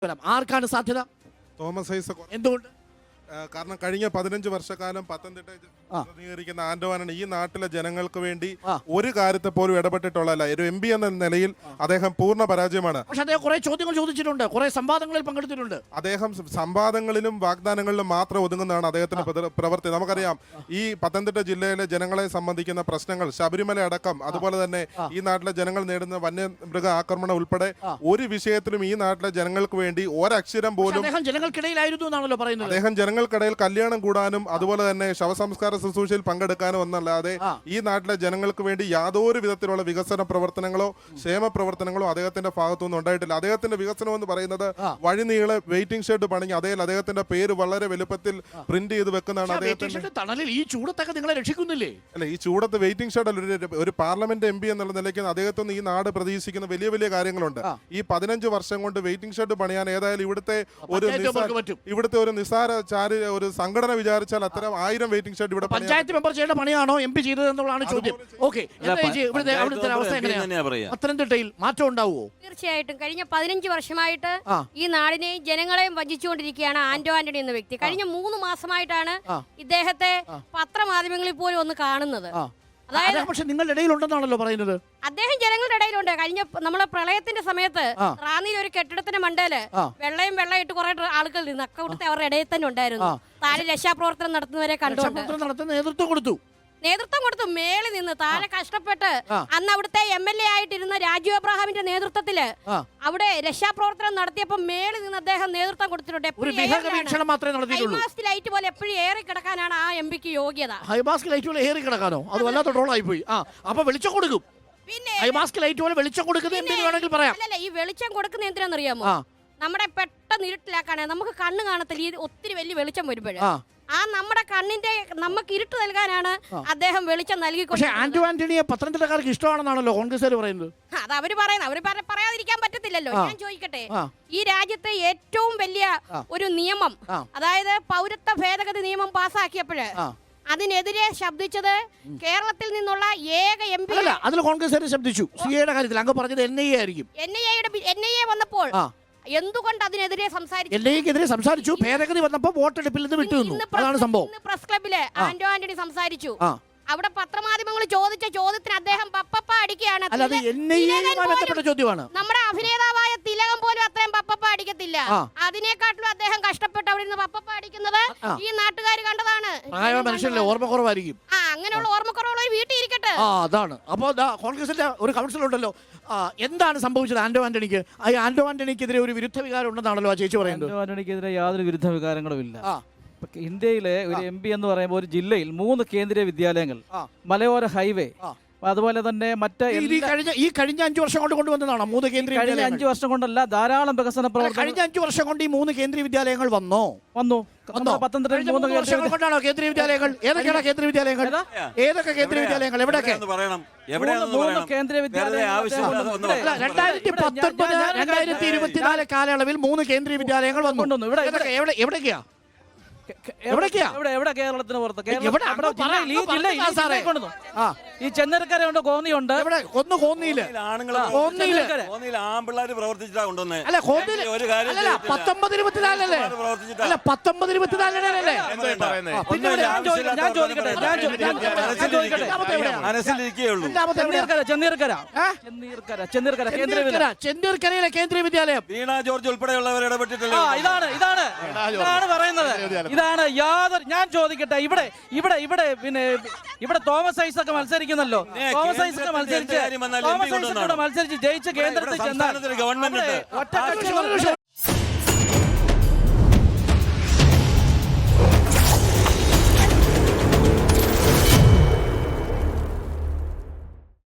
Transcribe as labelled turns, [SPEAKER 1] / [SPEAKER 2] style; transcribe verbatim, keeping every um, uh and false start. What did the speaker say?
[SPEAKER 1] ആർക്കാണ് സാധ്യത?
[SPEAKER 2] തോമസ് ഐസക്.
[SPEAKER 1] എന്തുകൊണ്ട്?
[SPEAKER 2] കാരണം കഴിഞ്ഞ പതിനഞ്ച് വർഷക്കാലം പത്തനംതിട്ട പ്രതിനിധീകരിക്കുന്ന ആന്റവാനാണ് ഈ നാട്ടിലെ ജനങ്ങൾക്ക് വേണ്ടി ഒരു കാര്യത്തെ പോലും ഇടപെട്ടിട്ടുള്ളതല്ല. ഒരു എം പി എന്ന നിലയിൽ അദ്ദേഹം പൂർണ്ണ പരാജയമാണ്.
[SPEAKER 1] പക്ഷേ അദ്ദേഹം കുറെ ചോദ്യങ്ങൾ ചോദിച്ചിട്ടുണ്ട്, കുറെ സംവാദങ്ങളിൽ പങ്കെടുത്തിട്ടുണ്ട്.
[SPEAKER 2] അദ്ദേഹം സംവാദങ്ങളിലും വാഗ്ദാനങ്ങളിലും മാത്രം ഒതുങ്ങുന്നതാണ് അദ്ദേഹത്തിന്റെ പ്രവൃത്തി. നമുക്കറിയാം ഈ പത്തനംതിട്ട ജില്ലയിലെ ജനങ്ങളെ സംബന്ധിക്കുന്ന പ്രശ്നങ്ങൾ, ശബരിമല അടക്കം, അതുപോലെ തന്നെ ഈ നാട്ടിലെ ജനങ്ങൾ നേരിടുന്ന വന്യമൃഗ ആക്രമണം ഉൾപ്പെടെ ഒരു വിഷയത്തിലും ഈ നാട്ടിലെ ജനങ്ങൾക്ക് വേണ്ടി ഒരക്ഷരം പോലും
[SPEAKER 1] ജനങ്ങൾക്കിടയിലായിരുന്നു എന്നാണല്ലോ പറയുന്നത്.
[SPEAKER 2] അദ്ദേഹം ജനങ്ങൾക്കിടയിൽ കല്യാണം കൂടാനും അതുപോലെ തന്നെ ശവസംസ്കാര ശുശ്രൂഷയിൽ പങ്കെടുക്കാനും ഒന്നല്ലാതെ ഈ നാട്ടിലെ ജനങ്ങൾക്ക് വേണ്ടി യാതൊരു വിധത്തിലുള്ള വികസന പ്രവർത്തനങ്ങളോ ക്ഷേമ പ്രവർത്തനങ്ങളോ അദ്ദേഹത്തിന്റെ ഭാഗത്തുനിന്ന് ഉണ്ടായിട്ടില്ല. അദ്ദേഹത്തിന്റെ വികസനം എന്ന് പറയുന്നത് വഴിനീളെ വെയിറ്റിംഗ് ഷെഡ് പണിഞ്ഞ് അതേ അദ്ദേഹത്തിന്റെ പേര് വളരെ വലുപ്പത്തിൽ പ്രിന്റ് ചെയ്ത് വെക്കുന്നതാണ്. അദ്ദേഹത്തിന്റെ
[SPEAKER 1] തണലിൽ ഈ ചൂടത്തൊക്കെ നിങ്ങളെ രക്ഷിക്കുന്നില്ലേ?
[SPEAKER 2] അല്ല, ഈ ചൂടത്ത് വെയിറ്റിംഗ് ഷെഡ് അല്ല, ഒരു പാർലമെന്റ് എം പി എന്നുള്ള നിലയ്ക്ക് അദ്ദേഹത്തിന് ഈ നാട് പ്രതീക്ഷിക്കുന്ന വലിയ വലിയ കാര്യങ്ങളുണ്ട്. ഈ പതിനഞ്ച് വർഷം കൊണ്ട് വെയിറ്റിംഗ് ഷെഡ് പണിയാൻ ഏതായാലും ഇവിടുത്തെ ഒരു ഇവിടുത്തെ ഒരു നിസാര ചാരി ഒരു സംഘടന വിചാരിച്ചാൽ അത്തരം ആയിരം വെയിറ്റിംഗ് ഷെഡ് ഇവിടെ
[SPEAKER 1] പഞ്ചായത്ത് മെമ്പർ ചെയ്യേണ്ട പണിയാണോ എം പി ചെയ്തത് എന്നുള്ളതാണ് ചോദ്യം. ഓക്കെ, പത്തനംതിട്ടയിൽ മാറ്റം ഉണ്ടാവുമോ?
[SPEAKER 3] തീർച്ചയായിട്ടും. കഴിഞ്ഞ പതിനഞ്ച് വർഷമായിട്ട് ഈ നാടിനെയും ജനങ്ങളെയും വഞ്ചിച്ചുകൊണ്ടിരിക്കുകയാണ് ആന്റോ ആന്റണി എന്ന വ്യക്തി. കഴിഞ്ഞ മൂന്ന് മാസമായിട്ടാണ് ഇദ്ദേഹത്തെ പത്രമാധ്യമങ്ങളിൽ പോലും ഒന്ന് കാണുന്നത്.
[SPEAKER 1] പക്ഷെ നിങ്ങളുടെ ഇടയിലുണ്ടെന്നാണല്ലോ പറയുന്നത്.
[SPEAKER 3] അദ്ദേഹം ജനങ്ങളുടെ ഇടയിലുണ്ട്. കഴിഞ്ഞ നമ്മളെ പ്രളയത്തിന്റെ സമയത്ത് റാന്നിയിൽ ഒരു കെട്ടിടത്തിന്റെ മണ്ടയില് വെള്ളയും വെള്ളയിട്ട് കുറെ ആളുകൾ നിന്ന് അക്കൗണ്ടത്തെ അവരുടെ ഇടയിൽ തന്നെ ഉണ്ടായിരുന്നു. താഴെ രക്ഷാപ്രവർത്തനം നടത്തുന്നവരെ കണ്ടുകൊണ്ട്
[SPEAKER 1] നേതൃത്വം കൊടുത്തു
[SPEAKER 3] നേതൃത്വം കൊടുത്തു മേളിൽ നിന്ന് താഴെ കഷ്ടപ്പെട്ട് അന്ന് അവിടുത്തെ എം എൽ എ ആയിട്ടിരുന്ന രാജു അബ്രഹാമിന്റെ നേതൃത്വത്തില് അവിടെ രക്ഷാപ്രവർത്തനം നടത്തിയപ്പോ മേളിൽ നിന്ന് അദ്ദേഹം നേതൃത്വം കൊടുത്തിട്ടുണ്ട്. ലൈറ്റ് പോലെ എപ്പോഴും ഏറി കിടക്കാനാണ് ആ എം പിക്ക് യോഗ്യത.
[SPEAKER 1] ഹൈമാസ്ക് ലൈറ്റ് പോലെ ഏറി കിടക്കാനോ? അത് വല്ലാത്ത ട്രോളായി പോയി. അപ്പൊ വെളിച്ചം കൊടുക്കും.
[SPEAKER 3] പിന്നെ
[SPEAKER 1] ഹൈമാസ്ക് ലൈറ്റ് പോലെ വെളിച്ചം കൊടുക്കുന്നത് പറയാം.
[SPEAKER 3] അല്ലല്ല, ഈ വെളിച്ചം കൊടുക്കുന്ന എന്തിനാണെന്നറിയാമോ? നമ്മുടെ പെട്ടെന്ന് ഇരുട്ടിലാക്കാണ്. നമുക്ക് കണ്ണ് കാണത്തില്ല, ഈ ഒത്തിരി വലിയ വെളിച്ചം വരുമ്പോഴേ ആ നമ്മുടെ കണ്ണിന്റെ നമുക്ക് ഇരുട്ട് നൽകാനാണ് അദ്ദേഹം വെളിച്ചം നൽകി.
[SPEAKER 1] പക്ഷേ ആന്റോ ആന്റണിയെ പത്തനംതിട്ടക്കാർക്ക് ഇഷ്ടമാണെന്നാണല്ലോ കോൺഗ്രസ്സുകാർ പറയുന്നത്.
[SPEAKER 3] അത് അവര് പറയുന്നത്, അവര് പറയാതിരിക്കാൻ പറ്റത്തില്ലല്ലോ. ഞാൻ ചോദിക്കട്ടെ, ഈ രാജ്യത്തെ ഏറ്റവും വലിയ ഒരു നിയമം, അതായത് പൗരത്വ ഭേദഗതി നിയമം പാസ്സാക്കിയപ്പോഴ് അതിനെതിരെ ശബ്ദിച്ചത് കേരളത്തിൽ നിന്നുള്ള ഏക എം പി
[SPEAKER 1] അല്ല, അതിൽ കോൺഗ്രസ്സുകാർ ശബ്ദിച്ചു. സിയുടെ കാര്യത്തിൽ അങ്ങ് പറഞ്ഞത് എൻ ഐ എ ആയിരിക്കും.
[SPEAKER 3] എൻ ഐ എയുടെ എൻ ഐ എ വന്നപ്പോൾ എന്തുകൊണ്ട് അതിനെതിരെ സംസാരിച്ചു?
[SPEAKER 1] എൻ ഐ എക്കെതിരെ സംസാരിച്ചു. ഭേദഗതി വന്നപ്പോൾ വോട്ടെടുപ്പിൽ നിന്ന് വിട്ടുനിന്നു. അതാണ് സംഭവം.
[SPEAKER 3] പ്രസ് ക്ലബില് ആന്റോ ആന്റണി സംസാരിച്ചു. അവിടെ പത്രമാധ്യമങ്ങൾ ചോദിച്ച ചോദ്യത്തിന് അദ്ദേഹം പപ്പപ്പ അടിക്കുകയാണ്. നമ്മുടെ അഭിനേതാവായ തിലകം പോലും അത്രയും പപ്പപ്പ അടിക്കത്തില്ല. അതിനെക്കാട്ടിലും അദ്ദേഹം കഷ്ടപ്പെട്ട് അവിടെ നിന്ന് പപ്പപ്പ അടിക്കുന്നത് ഈ നാട്ടുകാർ കണ്ടതാണ്.
[SPEAKER 1] മനുഷ്യല്ലേ, ഓർമ്മക്കുറവായിരിക്കും.
[SPEAKER 3] ആ, അങ്ങനെയുള്ള ഓർമ്മക്കുറവുള്ള ഒരു വീട്ടിൽ ഇരിക്കട്ടെ.
[SPEAKER 1] അതാണ്. അപ്പോൾ കോൺഗ്രസിന്റെ ഒരു കൗൺസിൽ ഉണ്ടല്ലോ, എന്താണ് സംഭവിച്ചത് ആന്റോ ആന്റണിക്ക്? ഈ ആന്റോ ആന്റണിക്കെതിരെ ഒരു വിരുദ്ധ വികാരം ഉണ്ടെന്നാണല്ലോ ആ ചേച്ചി പറയുന്നത്.
[SPEAKER 4] ആന്റോ ആന്റണിക്കെതിരെ യാതൊരു വിരുദ്ധ വികാരങ്ങളും ഇല്ല. ഇന്ത്യയിലെ ഒരു എം പി എന്ന് പറയുമ്പോൾ ഒരു ജില്ലയിൽ മൂന്ന് കേന്ദ്രീയ വിദ്യാലയങ്ങൾ, മലയോര ഹൈവേ, അതുപോലെ തന്നെ മറ്റ്
[SPEAKER 1] ഈ കഴിഞ്ഞ അഞ്ചു വർഷം കൊണ്ട് കൊണ്ടുവന്നതാണോ മൂന്ന് കേന്ദ്രീയ?
[SPEAKER 4] കഴിഞ്ഞ അഞ്ചു വർഷം കൊണ്ടല്ല, ധാരാളം വികസന പ്രവർത്തനം.
[SPEAKER 1] കഴിഞ്ഞ അഞ്ചു വർഷം കൊണ്ട് ഈ മൂന്ന് കേന്ദ്രീയ വിദ്യാലയങ്ങൾ വന്നോ?
[SPEAKER 4] വന്നു. പത്തനംതിട്ടയിൽ മൂന്ന്
[SPEAKER 1] കൊണ്ടാണോ കേന്ദ്രീയ വിദ്യാലയങ്ങൾ? ഏതൊക്കെയാണ് കേന്ദ്രീയ വിദ്യാലയങ്ങൾ? ഏതൊക്കെ കേന്ദ്രീയ വിദ്യാലയങ്ങൾ? എവിടെയൊക്കെ?
[SPEAKER 4] മൂന്ന് കേന്ദ്രീയ വിദ്യാലയങ്ങൾ.
[SPEAKER 1] രണ്ടായിരത്തി പത്തൊൻപത് രണ്ടായിരത്തി ഇരുപത്തിനാല് കാലയളവിൽ മൂന്ന് കേന്ദ്രീയ വിദ്യാലയങ്ങൾ വന്നു. എവിടേക്കാ?
[SPEAKER 4] എവിടെ? കേരളത്തിന് പുറത്ത്. ഈ ചെന്നൈക്കരയുണ്ട്, കോന്നിയുണ്ട്.
[SPEAKER 1] ഒന്ന് കോന്നിയില്
[SPEAKER 5] ആൺപിള്ളേര് പ്രവർത്തിച്ചിട്ടാ കൊണ്ടുവന്നേ.
[SPEAKER 1] അല്ല, പത്തൊമ്പത് ഇരുപത്തിനാലല്ലേ? അല്ല, പത്തൊമ്പത് ഇരുപത്തിനാലല്ലേ?
[SPEAKER 4] ഞാൻ ചോദിക്കട്ടെ,
[SPEAKER 5] മനസ്സിലിരിക്കുകയുള്ളൂ.
[SPEAKER 4] ചെന്നീർക്കര ചെന്നീർക്കര ചെന്നീർക്കര കേന്ദ്രീയ
[SPEAKER 1] ചെന്നീർക്കരയിലെ കേന്ദ്രീയ വിദ്യാലയം
[SPEAKER 5] വീണ ജോർജ് ഉൾപ്പെടെയുള്ളവർ ഇടപെട്ടിട്ടില്ല.
[SPEAKER 4] ഇതാണ് ഇതാണ് ഇതാണ് പറയുന്നത്. ഇതാണ് യാതൊരു ഞാൻ ചോദിക്കട്ടെ, ഇവിടെ ഇവിടെ ഇവിടെ പിന്നെ ഇവിടെ തോമസ് ഐസക് മത്സരിക്കുന്നല്ലോ. തോമസ് ഐസക് മത്സരിച്ച് തോമസ് ഐസക് മത്സരിച്ച് ജയിച്ച കേന്ദ്രത്തിൽ ചെന്നാൽ
[SPEAKER 5] ഗവൺമെന്റ്